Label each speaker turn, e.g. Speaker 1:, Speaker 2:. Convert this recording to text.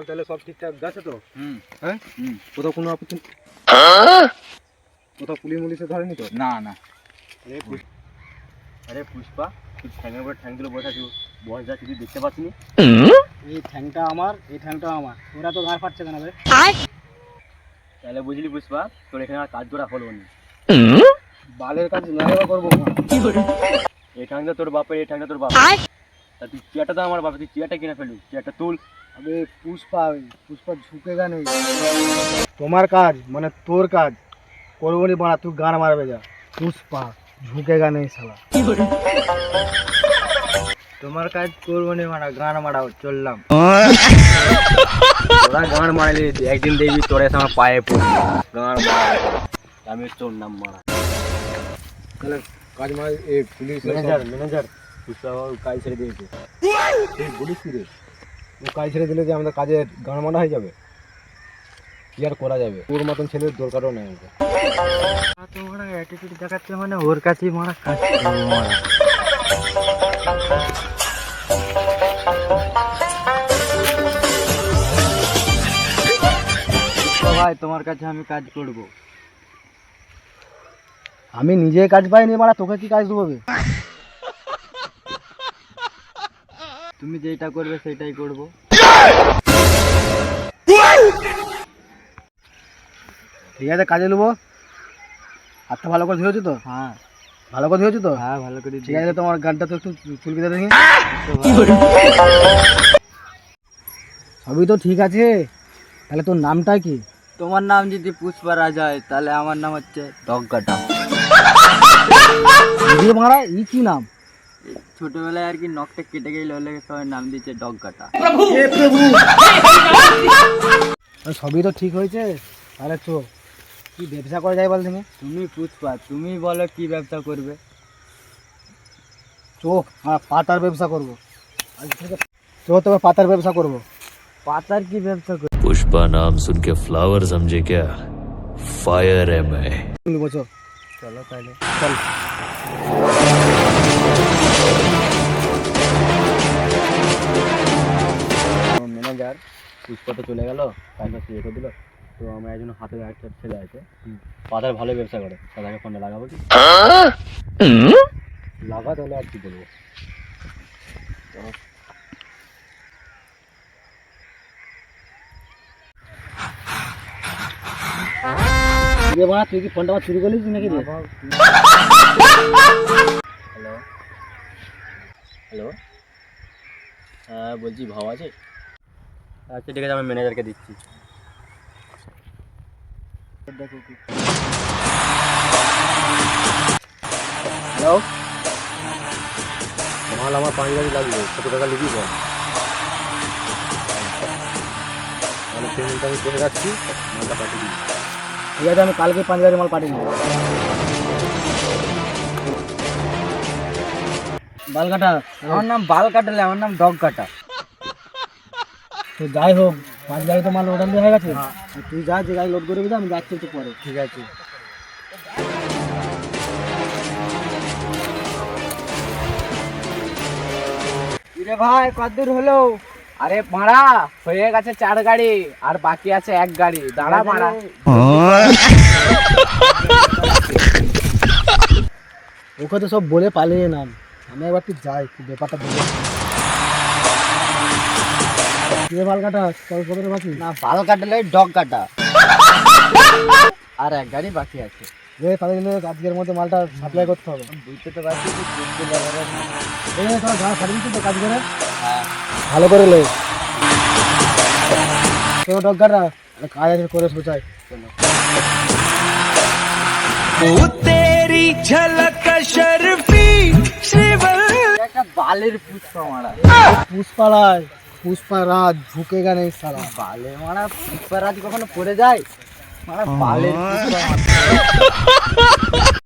Speaker 1: তাহলে সব ঠিকঠাক গেছে তো? হ্যাঁ, কোথাও কোনো আপত্তি, কোথাও পুলিশ মুলিশে ধরেনি তো?
Speaker 2: না না।
Speaker 1: আরে পুষ্পা, তুই ঠ্যাঙের উপরে ঠ্যাং দিলে বসে আছিস, বস যাচ্ছে, তুই দেখতে পাচ্ছিনি? এই ঠ্যাংটা আমার, এই ঠ্যাংটা আমার, তোরা তো ঘাড় ফাটছে কেন রে? তাহলে বুঝলি পুষ্পা, তোর এখানে আর কাজ করা হলো না। বালের কাজ না করবো না। এই ঠ্যাংটা তোর বাপের, এই ঠ্যাংটা তোর বাপের। তা তুই চেয়ারটা তো আমার বাপের, তুই চেয়ারটা কিনে ফেলবি, চেয়ারটা তুল। আবে পুষ্পা, পুষ্পা ঝুঁকেগা নেই। তোমার কাজ মানে তোর কাজ করবো নি বাড়া, তুই গান মারবে যা। পুষ্পা ঝুঁকেগা নেই শালা।
Speaker 2: তোমার কাজ করবো নি মারা, গান মারাও, চললাম।
Speaker 1: তোরা গান মারলি একদিন দেখবি তোরে আমার পায়ে পড়বি। গান মারা আমি তোর নাম মারা। তাহলে কাজ মার, এই পুলিশ ম্যানেজার পুষ্পা কাজ ছেড়ে দিয়েছে। বলিস কি রে, ও কাজ ছেড়ে দিলে যে আমাদের কাজের গান মারা হয়ে যাবে? কি আর করা যাবে, ওর মতন ছেলের দরকারও নেই আমাদের।
Speaker 2: তোমার অ্যাটিটিউড দেখাচ্ছে মানে ওর কাছেই মারা, কাজ মারা। ভাই তোমার কাছে আমি কাজ করব।
Speaker 1: আমি নিজে কাজ পাইনি মারা, তোকে কি কাজ দেবো?
Speaker 2: তুমি যেটা করবে সেটাই করব।
Speaker 1: ঠিক আছে, কাজে নেবো। হাতটা ভালো করে ধুয়েছো তো?
Speaker 2: হ্যাঁ
Speaker 1: ভালো করে ধুয়েছো তো?
Speaker 2: হ্যাঁ ভালো করে।
Speaker 1: ঠিক আছে, তোমার গানটা তো একটু চুলকে দে দেখি। সবই তো ঠিক আছে, তাহলে তোর নামটা কি?
Speaker 2: তোমার নাম যদি পুষ্পা রাজ হয় তাহলে আমার নাম হচ্ছে ডগকাটা।
Speaker 1: মারা ই কি নাম?
Speaker 2: ছোটবেলায় আর কি নখটা কেটে গেলে হলে সবাই নাম দিচ্ছে ডগকাটা।
Speaker 1: সবই তো ঠিক হয়েছে, তাহলে চো কি ব্যবসা করা যায় বল তুমি?
Speaker 2: তুমি পুষ্পা, তুমি বলো কি ব্যবসা করবে?
Speaker 1: চো পাতার ব্যবসা করবো। চো তোকে পাতার ব্যবসা করবো।
Speaker 2: পাতার কি ব্যবসা করবে?
Speaker 3: पुष्पा नाम सुन के फ्लावर समझे क्या? फायर है मैं।
Speaker 1: বলছো
Speaker 2: চলো তাহলে
Speaker 1: চল। ম্যানেজার পুষ্পা তো চলে গেল, কাজটা শুরু করে দিল, তো আমার একজন হাতে একটা ছেলে আছে, পাতার ভালো ব্যবসা করে, তাদেরকে ফোনটা লাগাবো কি? লাগা, তাহলে আর কি বলবো। তুই কি ফোনটা আমার চুরি করলিস নাকি রে? হ্যালো হ্যালো, হ্যাঁ বলছি ভাও আছে? আচ্ছা ঠিক আছে, আমি ম্যানেজারকে দিচ্ছি। হ্যালো, মাল আমার 5 গাড়ি লাগবে, কত টাকা লিখি বল? তাহলে পেমেন্টটা আমি করে রাখছি, মালটা পাঠিয়ে দিই। ঠিক আছে, আমি কালকে 5 গাড়ি মাল পাঠিয়ে দেবো। বাল কাটা?
Speaker 2: আমার নাম বাল কাটালে, আমার নাম ডগ কাটা।
Speaker 1: তো যাই হোক, 5 গাড়ি তো মাল অর্ডার দেওয়া হয়ে গেছে। তুই যা, যে গাড়ি লোড করে দিবি, আমি যাচ্ছি একটু পরে।
Speaker 2: ঠিক আছে। কিরে ভাই কতদূর হলো? আরে মারা হয়ে গেছে 4 গাড়ি, আর বাকি আছে 1 গাড়ি। দাঁড়া মারা।
Speaker 1: ওকে তো সব বলে পালিয়ে নাম, আমি একবার তুই যাই, তুই ব্যাপারটা বলে। বাল কাটা কত বাকি?
Speaker 2: না বাল কাটালে ডগ কাটা, আর 1 গাড়ি বাকি আছে।
Speaker 1: তাদের আজকের মধ্যে মালটা সাপ্লাই করতে হবে।
Speaker 2: বুঝতে তো পারছি
Speaker 1: তোরা গাড়ি ছাড়িয়ে দিচ্ছি তো কাজ করে।
Speaker 2: হ্যাঁ
Speaker 1: ভালো করে লে কেউ ডগাটা কাজ আছে করে বোঝাই।
Speaker 3: तेरी झलक शर्फी
Speaker 2: একটা বালের পুষ্পা মারা।
Speaker 1: পুষ্পারাজ, পুষ্পারাজ ঝুঁকেগা নেই সালা।
Speaker 2: বালে মারা পুষ্পা রাজ কখনো পড়ে যায়? মারা বালের পুষ্পা মারা।